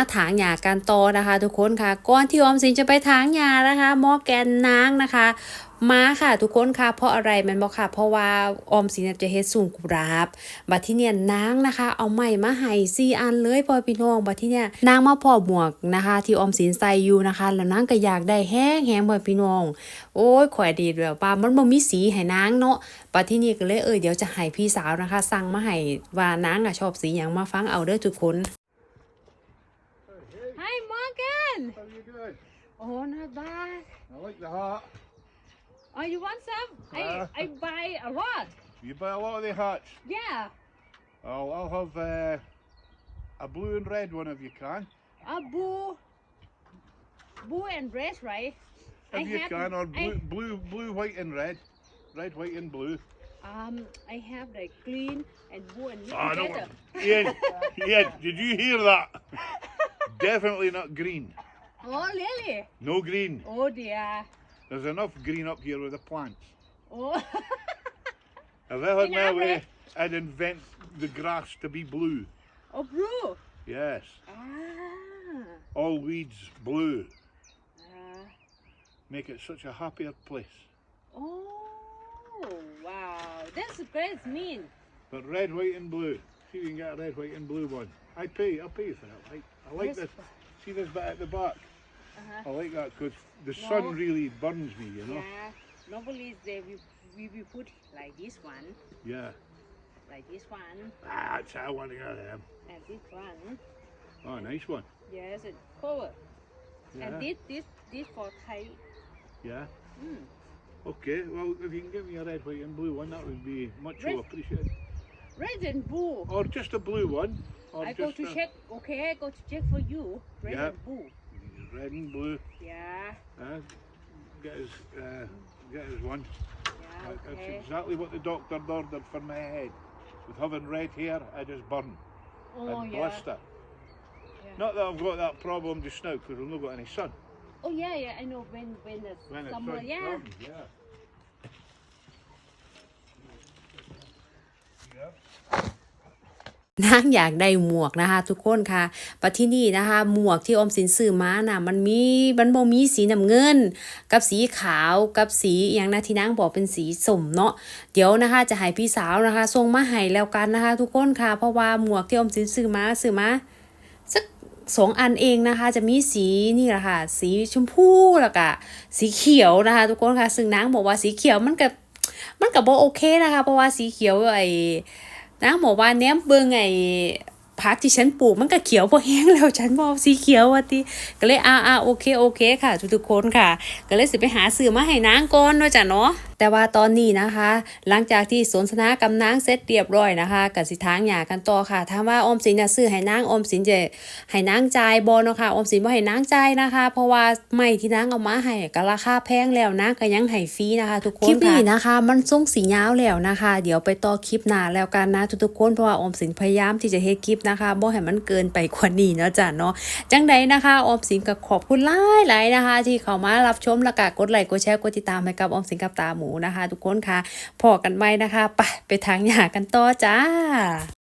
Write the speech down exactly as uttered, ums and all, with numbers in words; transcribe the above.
ถางหญ้ากันต่อนะคะทุกคนค่ะก่อนที่ออมสินจะไปถางหญ้านะคะหม้อแกนนางนะคะมาค่ะทุกคนค่ะเพราะอะไรมันบอกค่ะเพราะว่าออมสินจะเฮ็ดสูงกุหลาบบัดที่เนี่ยนางนะคะเอาไม้มาให้สี่อันเลยพ่อพี่น้องบัดที่เนี่ยนางมาพอหมวกนะคะที่ออมสินใส่อยู่นะคะแล้วนางก็อยากได้แห้งแห้งพ่อพี่น้องโอ้ยข่อยดีแบบว่ามันบ่มีสีให้นางเนาะบัดที่นี่ก็เลยเออเดี๋ยวจะให้พี่สาวนะคะสั่งมาให้ว่านางอ่ะชอบสีหยังมาฟังเอาเด้อทุกคน Hi Morgan How are you doing? Oh not bad I like the hat. Oh you want some I Uh. I buy a lot You buy a lot of the hats. Yeah Oh, I'll have uh, a blue and red one if you can. a blue blue and red right If I you have can, or blue, I, blue, blue, white and red. Red, white and blue. um I have like green and blue and mix Oh, no. together Ian, Ian, did you hear that? Definitely not green. Oh really No green. Oh dear There's enough green up here with the plants. Oh If I had my Enough, way, eh? I'd invent the grass to be blue. Oh blue Yes. Ah All weeds blue. uh, Make it such a happier place. Oh wow that's great mean But red, white and blue. See if you can get a red, white and blue one. I pay, I'll pay you for that. I, I like Yes. this. See this bit at the back? Uh-huh. I like that because the sun No. really burns me, you know? Yeah, normally they will we will put like this one, Yeah. like this one, Ah, that's how I want to get them. and this one. Oh, nice one. Yes, and cover. Yeah. And this this this for Thai. Yeah. Mm. Okay, well, if you can give me a red, white and blue one, that would be much Red. appreciated. Red and blue. Or just a blue one. Or I just go to a, check. Okay, I go to check for you. Red Yeah. and blue. Red and blue. Yeah, Uh, get his, uh, get his one. yeah. That- That's Okay. exactly what the doctor ordered for my head. With having red hair, I just burn Oh and yeah. blister. Yeah. Not that I've got that problem just now because I've not got any sun. Oh yeah, yeah. I know when when the When it's summer. sun Yeah. comes, yeah. Yeah. นางอยากได้หมวกนะคะทุกคนค่ะปัจที่นี่นะคะหมวกที่ออมสินซื้อมาน่ะมันมีมันบ่มีสีน้ำเงินกับสีขาวกับสีอย่างนะที่นางบอกเป็นสีส้มเนาะเดี๋ยวนะคะจะให้พี่สาวนะคะส่งมาให้แล้วกันนะคะทุกคนค่ะเพราะว่าหมวกที่ออมสินซื้อมาซื้อมาสักสองอันเองนะคะจะมีสีนี่แหละค่ะสีชมพูแล้วก็สีเขียวนะคะทุกคนค่ะซึ่งนางบอกว่าสีเขียวมันก็มันก็บ่โอเคนะคะเพราะว่าสีเขียวไอ้นางบอกว่าแหนมเบิ่งไอ้ผักที่ฉันปลูกมันก็เขียวพอแห้งแล้วฉันบอกสีเขียวว่าติก็เลยอ่าอ่าโอเคโอเคค่ะทุกๆคนค่ะก็เลยสิไปหาซื้อมาให้นางก่อนเนาะจ้ะเนาะแต่ว่าตอนนี้นะคะ หลังจากที่สนทนากับนางเสร็จเรียบร้อยนะคะก็สิทางหญ้ากันต่อค่ะถ้าว่าออมสินน่ะซื้อให้นางออมสินจะให้นางจ่ายบ่เนาะค่ะออมสินบ่ให้นางจ่ายนะคะ เพราะว่าไม้ที่นางเอามาให้ก็ราคาแพงแล้วนางก็ยังให้ฟรีนะคะทุกคนคลิปนี้นะคะมันทรงสียาวแล้วนะคะ เดี๋ยวไปต่อคลิปหน้าแล้วกันนะทุกๆคนเพราะว่าออมสินพยายามที่จะเฮ็ดคลิปนะคะบ่ให้มันเกินไปกว่านี้เนาะจ้ะเนาะจังใดนะคะออมสินก็ขอบคุณหลายๆนะคะที่เข้ามารับชมแล้วก็กดไลค์กดแชร์กดติดตามให้กับออมสินกับตาหมูนะคะทุกคนค่ะพอกันไว้นะคะไปไปทางหญ้ากันต่อจ้า